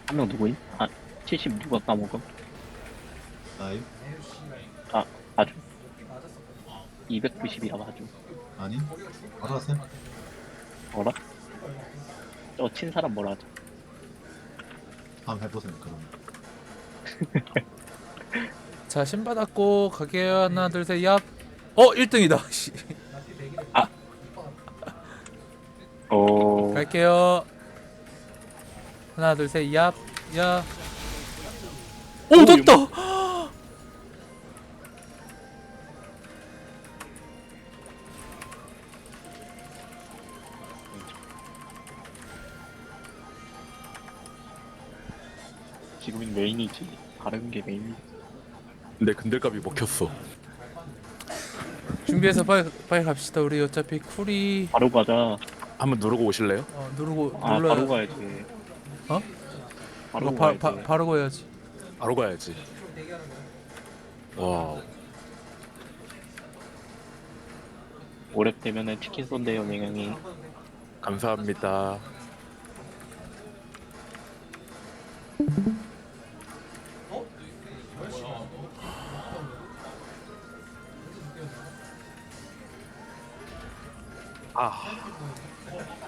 한 명 누구임? 아, 70 누가 까먹음? 나임? 아, 아주. 290이라 아주. 아니? 알아셈? 뭐라? 저 친 사람 뭐라 하죠? 한번 해보셈 그러면. 자, 신 받았고 가게요. 하나, 둘, 셋, 얍. 1등이다. 씨. 어, 갈게요. 하나, 둘, 셋, 얍. 야. 오, 됐다. 지금은 메인이지. 다른 게 메인이지. 근데 근들갑이 먹혔어. 준비해서 빨리 갑시다. 우리 어차피 쿨이 바로 가자. 한번 누르고 오실래요? 누르고 아, 눌러야. 바로 가야지. 어? 바로 이거 가야지. 바로 가야지. 바로 가야지. 와, 오랩 되면은 치킨 쏜대요, 맹형이. 감사합니다. 아,